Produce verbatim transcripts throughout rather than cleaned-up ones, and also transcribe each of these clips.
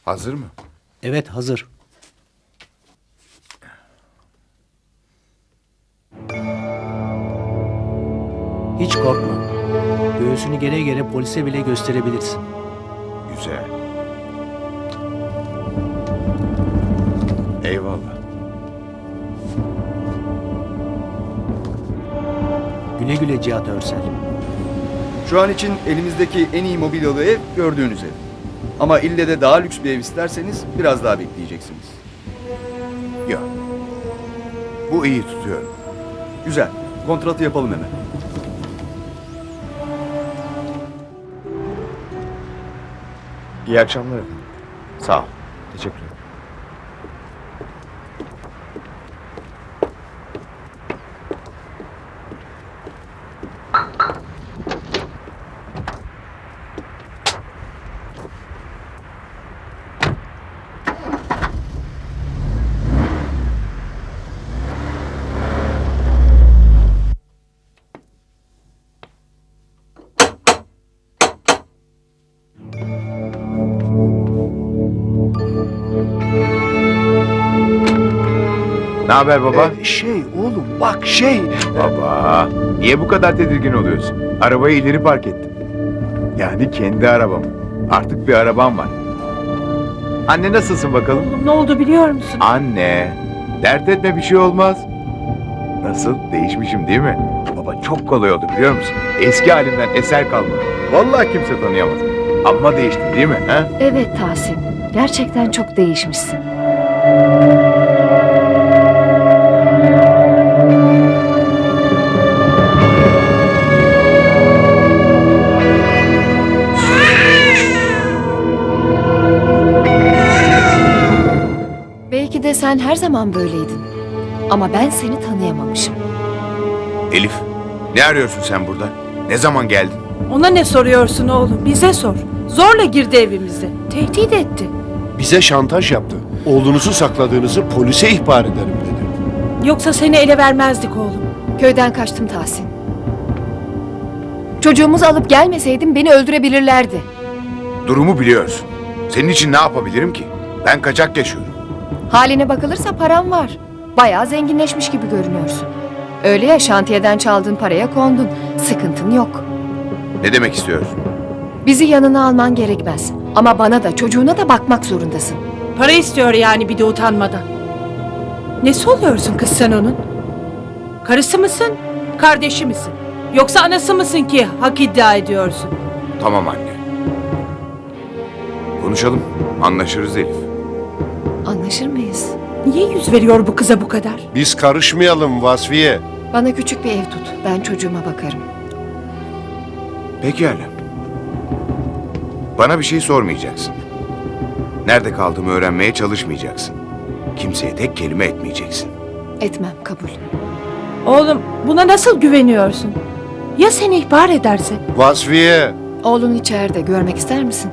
Hazır mı? Evet, hazır. Hiç korkma. Göğsünü gere gere polise bile gösterebilirsin. Güzel. Eyvallah. Güle güle Cihat Örsel. Şu an için elimizdeki en iyi mobilyalı ev gördüğünüz ev. Ama ille de daha lüks bir ev isterseniz biraz daha bekleyeceksiniz. Yok. Bu iyi tutuyor. Güzel. Kontratı yapalım hemen. İyi akşamlar efendim. Sağ ol. Teşekkür ederim. Ne haber baba? Ee, şey oğlum bak şey. Baba, niye bu kadar tedirgin oluyorsun? Arabayı ileri park ettim. Yani kendi arabam. Artık bir arabam var. Anne nasılsın bakalım? Oğlum ne oldu biliyor musun? Anne, dert etme bir şey olmaz. Nasıl? Değişmişim değil mi? Baba çok kolay oldu biliyor musun? Eski halimden eser kalmadı. Vallahi kimse tanıyamaz. Amma değiştim değil mi? He? Evet Tahsin, gerçekten çok değişmişsin. Belki de sen her zaman böyleydin. Ama ben seni tanıyamamışım. Elif, ne arıyorsun sen burada? Ne zaman geldin? Ona ne soruyorsun oğlum? Bize sor. Zorla girdi evimize. Tehdit etti. Bize şantaj yaptı. Oğlunuzu sakladığınızı polise ihbar ederim dedi. Yoksa seni ele vermezdik oğlum. Köyden kaçtım Tahsin. Çocuğumuzu alıp gelmeseydim beni öldürebilirlerdi. Durumu biliyorsun. Senin için ne yapabilirim ki? Ben kaçak yaşıyorum. Haline bakılırsa param var. Bayağı zenginleşmiş gibi görünüyorsun. Öyle ya, şantiyeden çaldığın paraya kondun. Sıkıntın yok. Ne demek istiyorsun? Bizi yanına alman gerekmez. Ama bana da çocuğuna da bakmak zorundasın. Para istiyor yani bir de utanmadan. Nesi oluyorsun kız sen onun? Karısı mısın? Kardeşi misin? Yoksa anası mısın ki hak iddia ediyorsun? Tamam anne. Konuşalım. Anlaşırız Elif. Anlaşır mıyız? Niye yüz veriyor bu kıza bu kadar? Biz karışmayalım Vasfiye. Bana küçük bir ev tut. Ben çocuğuma bakarım. Pekala. Bana bir şey sormayacaksın. Nerede kaldığımı öğrenmeye çalışmayacaksın. Kimseye tek kelime etmeyeceksin. Etmem, kabul. Oğlum buna nasıl güveniyorsun? Ya seni ihbar ederse? Vasfiye. Oğlun içeride. Görmek ister misin?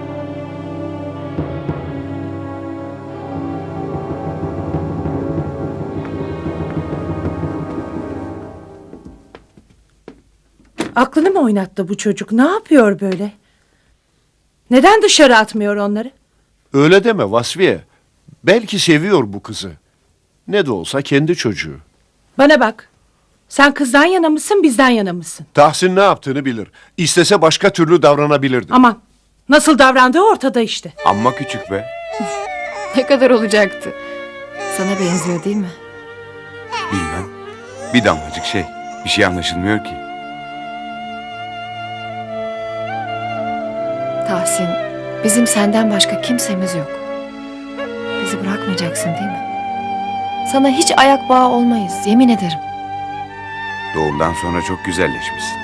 Aklını mı oynattı bu çocuk? Ne yapıyor böyle? Neden dışarı atmıyor onları? Öyle deme Vasfiye. Belki seviyor bu kızı. Ne de olsa kendi çocuğu. Bana bak. Sen kızdan yana mısın, bizden yana mısın? Tahsin ne yaptığını bilir. İstese başka türlü davranabilirdi. Aman, nasıl davrandığı ortada işte. Amma küçük be. Ne kadar olacaktı? Sana benziyor değil mi? Bilmem. Bir damlacık şey. Bir şey anlaşılmıyor ki. Tahsin, bizim senden başka kimsemiz yok. Bizi bırakmayacaksın değil mi? Sana hiç ayak bağı olmayız, yemin ederim. Doğumdan sonra çok güzelleşmişsin.